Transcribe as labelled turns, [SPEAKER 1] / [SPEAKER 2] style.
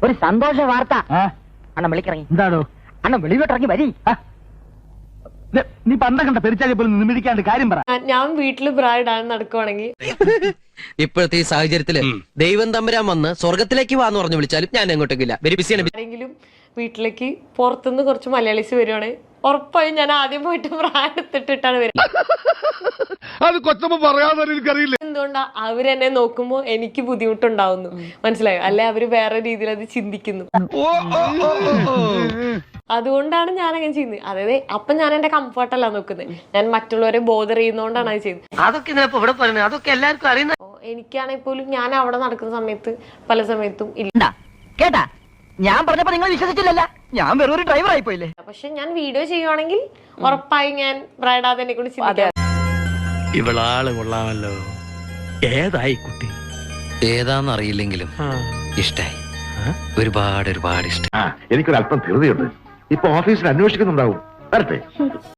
[SPEAKER 1] ഒരു സന്തോഷ വാർത്ത. അണ്ണൻ വിളിക്കിറങ്ങി.
[SPEAKER 2] എന്താണോ?
[SPEAKER 1] അണ്ണൻ വെളിവിട്ടിറങ്ങി വരി.
[SPEAKER 2] നീ പണ്ട കണ്ട പെരിച്ചാലി പോലും നിമിടിക്കാണ്ട് കാര്യം പറ.
[SPEAKER 3] ഞാൻ വീട്ടില് ബ്രൈഡാണ് നടക്കുവാണെങ്കിൽ
[SPEAKER 4] ഇപ്പോഴത്തെ ഈ സാഹചര്യത്തില് ദൈവം തമ്പുരാൻ വന്ന് സ്വർഗത്തിലേക്ക് വാന്ന് പറഞ്ഞു വിളിച്ചാലും ഞാൻ എങ്ങോട്ടേക്കില്ല. വെരി ബിസിയാണ്.
[SPEAKER 3] ആരെങ്കിലും വീട്ടിലേക്ക് പുറത്തുനിന്ന് കുറച്ച് മലയാളീസ് വരുവാണെങ്കിൽ ഉറപ്പായും ഞാൻ ആദ്യം പോയിട്ട് ബ്രാൻഡ് എടുത്തിട്ടിട്ടാണ് വരുന്നത്.
[SPEAKER 5] അത് കൊച്ചമ്മ പറയാതെ എനിക്കറിയില്ല.
[SPEAKER 3] എന്തുകൊണ്ടാ അവരെന്നെ നോക്കുമ്പോ എനിക്ക് ബുദ്ധിമുട്ടുണ്ടാവുന്നു, മനസ്സിലായോ? അല്ലെ അവര് വേറെ രീതിയിൽ അത് ചിന്തിക്കുന്നു. അതുകൊണ്ടാണ് ഞാൻ അങ്ങനെ ചെയ്യുന്നത്. അതായത് അപ്പൊ ഞാൻ എന്റെ കംഫർട്ടല്ല നോക്കുന്നത്, ഞാൻ മറ്റുള്ളവരെ ബോധർ ചെയ്യുന്നോണ്ടാണ് അത് ചെയ്യുന്നത്.
[SPEAKER 4] അതൊക്കെ ഇവിടെ പറയുന്നത് അതൊക്കെ എല്ലാവർക്കും അറിയുന്ന.
[SPEAKER 3] എനിക്കാണെങ്കിൽ പോലും ഞാൻ അവിടെ നടക്കുന്ന സമയത്ത് പല സമയത്തും ഇല്ല.
[SPEAKER 1] കേട്ടാ, ഞാൻ പറഞ്ഞപ്പോ നിങ്ങൾ വിശ്വസിച്ചില്ലല്ല. ഞാൻ വെറും ഒരു ഡ്രൈവർ ആയിപ്പോയില്ലേ.
[SPEAKER 3] പക്ഷെ ഞാൻ വീഡിയോ ചെയ്യുവാണെങ്കിൽ ഉറപ്പായും ഞാൻ ബ്രൈഡാതെ എന്നെ കൊണ്ട് ചിന്തിക്കാം.
[SPEAKER 6] ഇവളാള് കൊള്ളാമല്ലോ. ഏതായി കുട്ടി?
[SPEAKER 4] ഏതാന്നറിയില്ലെങ്കിലും ഇഷ്ടായി. ഒരുപാട് ഇഷ്ടം.
[SPEAKER 5] എനിക്കൊരല്പം ധൃതിയുണ്ട്. ഇപ്പൊ ഓഫീസിൽ അന്വേഷിക്കുന്നുണ്ടാവും. വരട്ടെ.